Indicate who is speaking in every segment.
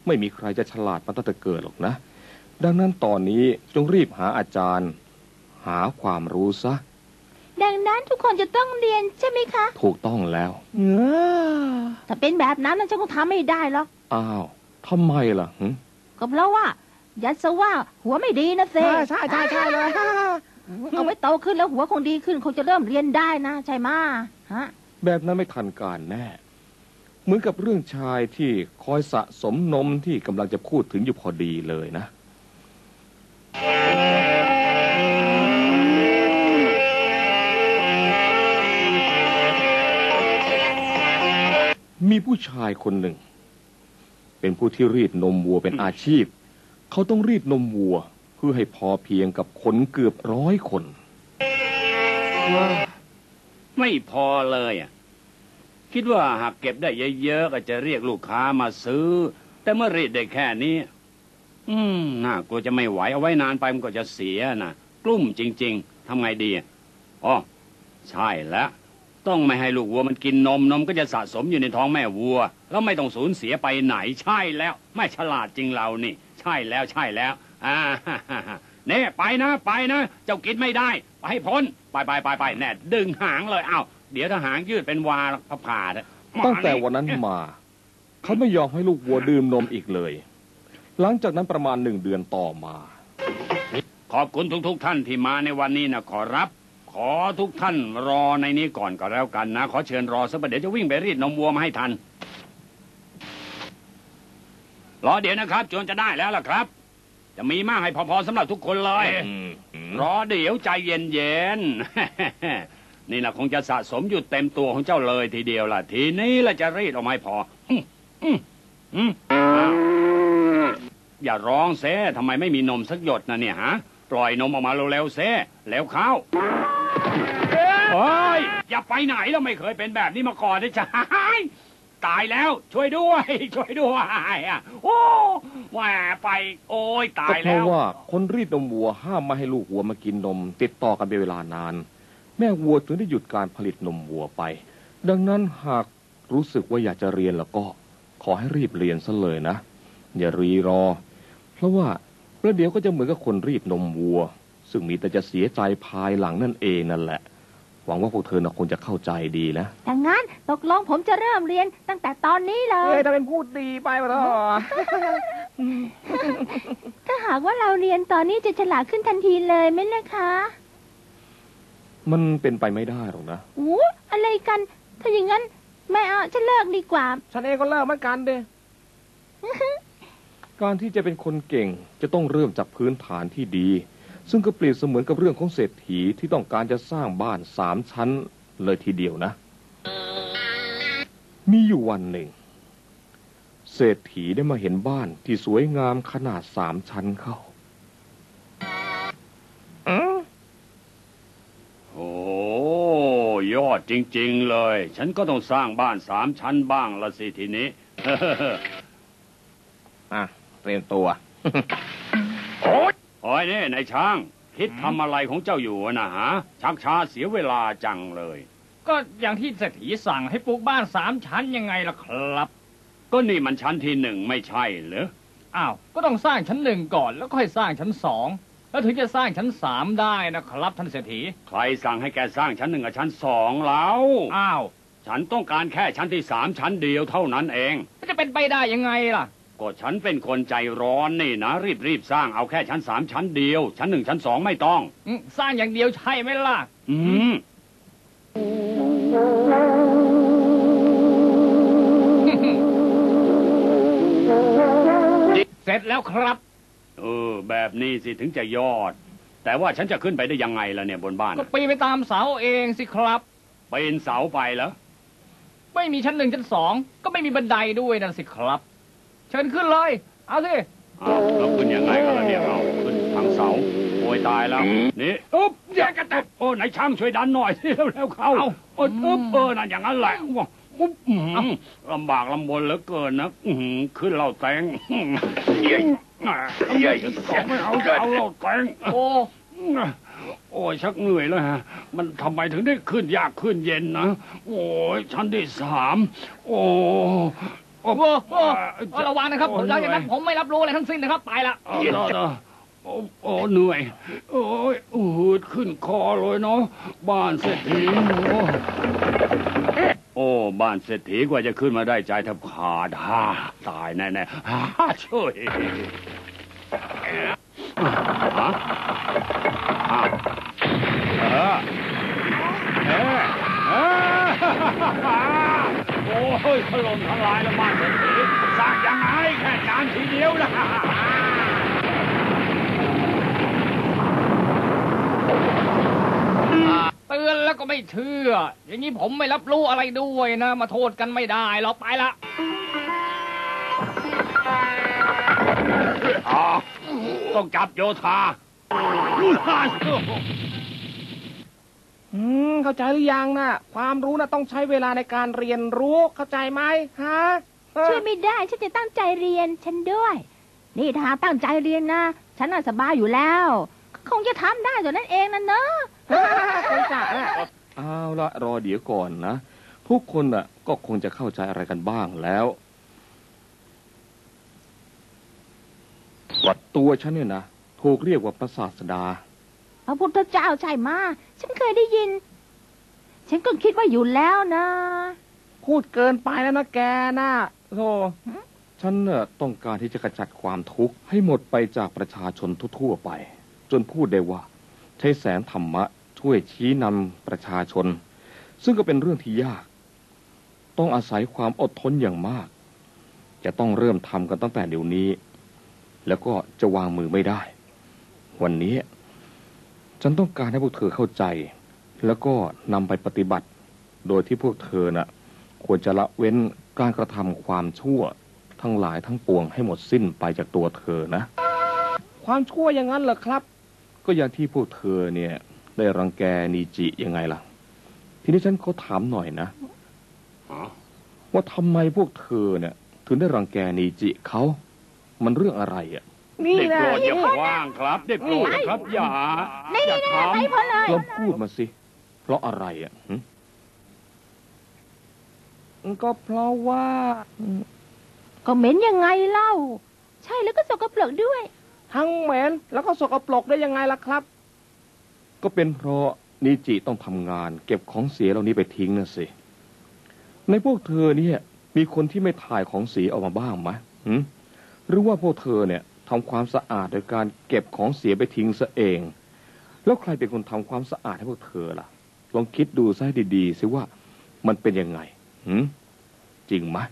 Speaker 1: ไม่มีใครจะฉลาดมาตั้งแต่เกิดหรอกนะดังนั้นตอนนี้จงรีบหาอาจารย์หาความรู้ซะ
Speaker 2: ดังนั้นทุกคนจะต้องเรียนใช่ไหมคะ
Speaker 1: ถูกต้องแล้ว
Speaker 2: ถ้าเป็นแบบนั้นฉันคงทำไม่ได้หรอก
Speaker 1: อ้าวทำไมล่ะ
Speaker 2: ก็เพราะว่ายัดซะว่าหัวไม่ดีนะเซ่
Speaker 3: ใช่เลย
Speaker 2: เอาไว้โตขึ้นแล้วหัวคงดีขึ้นคงจะเริ่มเรียนได้นะใช่ไหมฮะ
Speaker 1: แบบนั้นไม่ทันการแน่เหมือนกับเรื่องชายที่คอยสะสมนมที่กำลังจะพูดถึงอยู่พอดีเลยนะมีผู้ชายคนหนึ่งเป็นผู้ที่รีดนมวัวเป็นอาชีพเขาต้องรีดนมวัวเพื่อให้พอเพียงกับคนเกือบ100 คน
Speaker 4: ไม่พอเลยคิดว่าหากเก็บได้เยอะๆก็จะเรียกลูกค้ามาซื้อแต่เมื่อรีดได้แค่นี้น่ากลัวจะไม่ไหวเอาไว้นานไปมันก็จะเสียนะกลุ้มจริงๆทำไงดีอ๋อใช่แล้วต้องไม่ให้ลูกวัวมันกินนมก็จะสะสมอยู่ในท้องแม่วัวแล้วไม่ต้องสูญเสียไปไหนใช่แล้วไม่ฉลาดจริงเรานี่ใช่แล้วเนี่ยไปนะเจ้ากินไม่ได้ไปให้พ้นไปแน่ดึงหางเลยอ้าวเดี๋ยวถ้าหางยืดเป็นวาผ่า
Speaker 1: ตั้งแต่วันนั้นมาเขาไม่ยอมให้ลูกวัวดื่มนมอีกเลยหลังจากนั้นประมาณ1 เดือนต่อมา
Speaker 4: ขอบคุณทุกท่านที่มาในวันนี้นะขอรับขอทุกท่านรอในนี้ก่อนก็แล้วกันนะขอเชิญรอสักเดี๋ยวจะวิ่งไปรีดนมวัวมาให้ทันรอเดี๋ยวนะครับจนจะได้แล้วล่ะครับจะมีมากให้พอสำหรับทุกคนเลยรอเดี๋ยวใจเย็นๆนี่นะคงจะสะสมอยู่เต็มตัวของเจ้าเลยทีเดียวล่ะทีนี้ละจะรีดออกมาพออย่าร้องเซ่ทำไมไม่มีนมสักหยดนะเนี่ยฮะปล่อยนมออกมาเร็วๆเซ่แล้วเข้าเฮ้ยอย่าไปไหนเราไม่เคยเป็นแบบนี้มาก่อนนะจ๊ะตายแล้วช่วยด้วยโอ้แหวไปโอ้ยตายแล้ว
Speaker 1: ก็เพราะว่าคนรีดนมวัวห้ามไม่ให้ลูกวัวมากินนมติดต่อกันเป็นเวลานานแม่วัวถึงได้หยุดการผลิตนมวัวไปดังนั้นหากรู้สึกว่าอยากจะเรียนแล้วก็ขอให้รีบเรียนซะเลยนะอย่ารีรอเพราะว่าประเดี๋ยวก็จะเหมือนกับคนรีดนมวัวซึ่งมีแต่จะเสียใจภายหลังนั่นเองนั่นแหละหวังว่าพวกเธอคงจะเข้าใจดีนะ
Speaker 2: ดังนั้นตกลงผมจะเริ่มเรียนตั้งแต่ตอนนี้เลย
Speaker 3: ถ้าเป็นพูดดีไปวะท่อ
Speaker 2: ถ้าหากว่าเราเรียนตอนนี้จะฉลาดขึ้นทันทีเลยไหมล่ะคะ
Speaker 1: มันเป็นไปไม่ได้หรอกนะ
Speaker 2: อะไรกันถ้าอย่างนั้นไม่เอาฉันเลิกดีกว่า
Speaker 3: ฉันเองก็เลิกเหมือนกันเด้
Speaker 1: การที่จะเป็นคนเก่งจะต้องเริ่มจากพื้นฐานที่ดีซึ่งก็เปรียบเสมือนกับเรื่องของเศรษฐีที่ต้องการจะสร้างบ้าน3 ชั้นเลยทีเดียวนะมีอยู่วันหนึ่งเศรษฐีได้มาเห็นบ้านที่สวยงามขนาด3 ชั้นเข้า
Speaker 4: โอ้ยอดจริงๆเลยฉันก็ต้องสร้างบ้าน3 ชั้นบ้างละสิทีนี้
Speaker 1: เตรียมตัว
Speaker 4: โอ้ยนี่นายช้างคิดทำอะไรของเจ้าอยู่นะฮะชักช้าเสียเวลาจังเลย
Speaker 3: ก็อย่างที่เศรษฐีสั่งให้ปลูกบ้าน3 ชั้นยังไงล่ะครับ
Speaker 4: ก็นี่มันชั้นที่1ไม่ใช่เหรอ
Speaker 3: อ้าวก็ต้องสร้างชั้น1ก่อนแล้วค่อยสร้างชั้น2แล้วถึงจะสร้างชั้น3ได้นะครับท่านเศรษฐี
Speaker 4: ใครสั่งให้แกสร้างชั้น1กับชั้น2แล้ว
Speaker 3: อ้าว
Speaker 4: ฉันต้องการแค่ชั้นที่3ชั้นเดียวเท่านั้นเอง
Speaker 3: จะเป็นไปได้ยังไงล่ะ
Speaker 4: ก็ฉันเป็นคนใจร้อนนี่นะรีบสร้างเอาแค่ชั้น3ชั้นเดียวชั้น1ชั้น2ไม่ต้อง
Speaker 3: สร้างอย่างเดียวใช่ไหมล่ะเสร็จแล้วครับ
Speaker 4: แบบนี้สิถึงจะยอดแต่ว่าฉันจะขึ้นไปได้ยังไงล่ะเนี่ยบนบ้าน
Speaker 3: ก็ปีนไปตามเสาเองสิครับ
Speaker 4: ปีนเสาไปเหรอ
Speaker 3: ไม่มีชั้น1ชั้น2ก็ไม่มีบันไดด้วยนั่นสิครับเชิญขึ้นเลยเอาสิ
Speaker 4: เราขึ้นยังไงกันล่ะเนี่ยเราขึ้นทางเสาโอยตายแล้วนี่อุ๊บแย่กันแต่ไหนช่างช่วยดันหน่อยสิเร็วๆเข้านั่นอย่างนั้นแหละอุ๊บลำบากลำบนเหลือเกินนะขึ้นเราแตงไม่เอาเราแตงโอ้ยชักเหนื่อยแล้วฮะมันทำไมถึงได้ขึ้นยากขึ้นเย็นนะโอ้ยชั้นที่3โอ้
Speaker 3: โอ้โหระวังนะครับหลังจากนั้นผมไม่รับรู้อะไรทั้งสิ้นนะครับไปละ
Speaker 4: โอ้เหนื่อยโอ้ยหืดขึ้นคอเลยเนาะบ้านเศรษฐีโอ้บ้านเศรษฐีกว่าจะขึ้นมาได้ใจแทบขาดตายแน่ๆช่วยโอ้ยถล่มทลายแล้วบ้านเศรษฐีสร้างยังไงแค่จานทีเดียวนะ
Speaker 3: เตือนแล้วก็ไม่เชื่ออย่างนี้ผมไม่รับรู้อะไรด้วยนะมาโทษกันไม่ได้เราไปละ
Speaker 4: ต้องจับโยธา
Speaker 5: เข้าใจหรือยังนะความรู้นะต้องใช้เวลาในการเรียนรู้เข้าใจไหมฮะ
Speaker 2: ช่วยไม่ได้ฉันจะตั้งใจเรียนฉันด้วยนี่ถ้าตั้งใจเรียนนะฉันน่ะสบายอยู่แล้วคงจะทำได้ตัวนั้นเองนะเนอะ
Speaker 5: คงจะ
Speaker 1: เอาละรอเดี๋ยวก่อนนะทุกคนน่ะก็คงจะเข้าใจอะไรกันบ้างแล้ววัดตัวฉันเนี่ยนะถูกเรียกว่าพระศาสดา
Speaker 2: พระพุทธเจ้าใช่มาฉันเคยได้ยินฉันก็คิดว่าอยู่แล้วนะ
Speaker 5: พูดเกินไปแล้วนะแกนะโธ่
Speaker 1: ฉันน่ะต้องการที่จะขจัดความทุกข์ให้หมดไปจากประชาชนทั่วไปจนพูดได้ว่าใช้แสงธรรมะช่วยชี้นำประชาชนซึ่งก็เป็นเรื่องที่ยากต้องอาศัยความอดทนอย่างมากจะต้องเริ่มทำกันตั้งแต่เดี๋ยวนี้แล้วก็จะวางมือไม่ได้วันนี้ฉันต้องการให้พวกเธอเข้าใจแล้วก็นำไปปฏิบัติโดยที่พวกเธอน่ะควรจะละเว้นการกระทำความชั่วทั้งหลายทั้งปวงให้หมดสิ้นไปจากตัวเธอนะ
Speaker 5: ความชั่วอย่างนั้นเหรอครับ
Speaker 1: ก็อย่างที่พวกเธอเนี่ยได้รังแกนีจิยังไงล่ะทีนี้ฉันขอถามหน่อยนะว่าทำไมพวกเธอเนี่ยถึงได้รังแกนีจิเขามันเรื่องอะไรอ่ะ
Speaker 4: นี่แหละอย่าว่างครับเด็กโปรดครับอย่า
Speaker 2: ทำไปพอเลย
Speaker 1: ลองพูดมาสิเพราะอะไรอ่ะ
Speaker 5: ก็เพราะว่า
Speaker 2: ก็เหม็นยังไงเล่าใช่แล้วก็สกปรกด้วย
Speaker 5: ทั้งเหม็นแล้วก็สกปรกได้ยังไงล่ะครับ
Speaker 1: ก็เป็นเพราะนิจิต้องทำงานเก็บของเสียเหล่านี้ไปทิ้งนะสิในพวกเธอเนี่ยมีคนที่ไม่ถ่ายของเสียออกมาบ้างไหมหรือว่าพวกเธอเนี่ยทำความสะอาดโดยการเก็บของเสียไปทิ้งซะเองแล้วใครเป็นคนทำความสะอาดให้พวกเธอล่ะลองคิดดูซะให้ดีๆสิว่ามันเป็นยังไงจริงไหม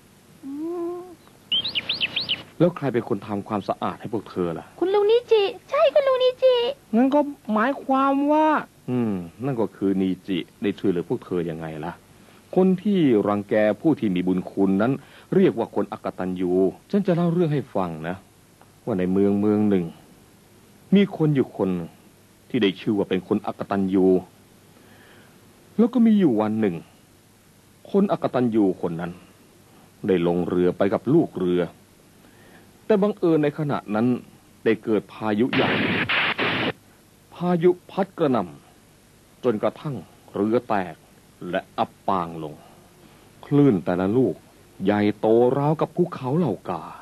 Speaker 1: แล้วใครเป็นคนทำความสะอาดให้พวกเธอล่ะ
Speaker 2: คุณลุงนิจิใช่คุณลุงนิจิ
Speaker 5: งั้นก็หมายความว่า
Speaker 1: นั่นก็คือนิจิได้ช่วยเหลือพวกเธอยังไงล่ะคนที่รังแกผู้ที่มีบุญคุณนั้นเรียกว่าคนอกตัญญูฉันจะเล่าเรื่องให้ฟังนะว่าในเมืองหนึ่งมีคนอยู่คนที่ได้ชื่อว่าเป็นคนอกตัญญูแล้วก็มีอยู่วันหนึ่งคนอกตัญญูคนนั้นได้ลงเรือไปกับลูกเรือแต่บังเอิญในขณะนั้นได้เกิดพายุใหญ่พายุพัดกระหน่ำจนกระทั่งเรือแตกและอับปางลงคลื่นแต่ละลูกใหญ่โตราวกับภูเขาเหล่ากา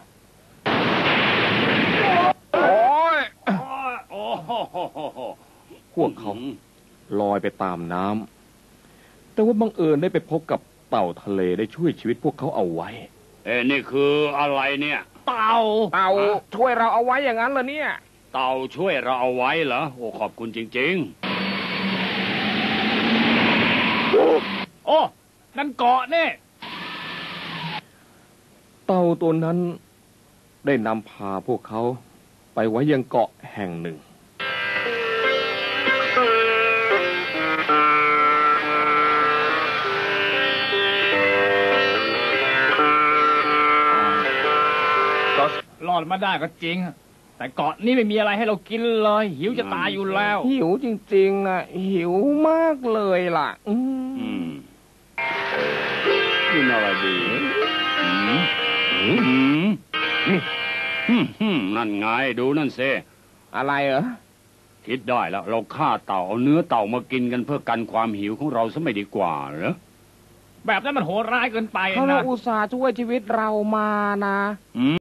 Speaker 1: พวกเขาลอยไปตามน้ำแต่ว่าบังเอิญได้ไปพบกับเต่าทะเลได้ช่วยชีวิตพวกเขาเอาไว้
Speaker 4: นี่คืออะไรเนี่ย
Speaker 5: เต่าช่วยเราเอาไว้อย่างนั้นเหรอเนี่ย
Speaker 4: เต่าช่วยเราเอาไว้เหรอโอ้ขอบคุณจริง
Speaker 3: ๆโอ้นั่นเกาะเนี่ย
Speaker 1: เต่าตัวนั้นได้นำพาพวกเขาไปไว้ยังเกาะแห่งหนึ่ง
Speaker 3: รอดมาได้ก็จริงแต่เกาะนี้ไม่มีอะไรให้เรากินเลยหิวจะตายอยู่แล้ว
Speaker 5: หิวจริงๆอ่ะหิวมากเลยล่ะ
Speaker 4: กินอะไรดีนั่นไงดูนั่นเซ
Speaker 5: อะไรเหรอ
Speaker 4: คิดได้แล้วเราฆ่าเต่าเอาเนื้อเต่ามากินกันเพื่อกันความหิวของเราซะไม่ดีกว่าเหรอ
Speaker 3: แบบนั้นมันโหดร้ายเกินไป
Speaker 5: เขา
Speaker 3: นะ
Speaker 5: อุตส่าห์ช่วยชีวิตเรามานะ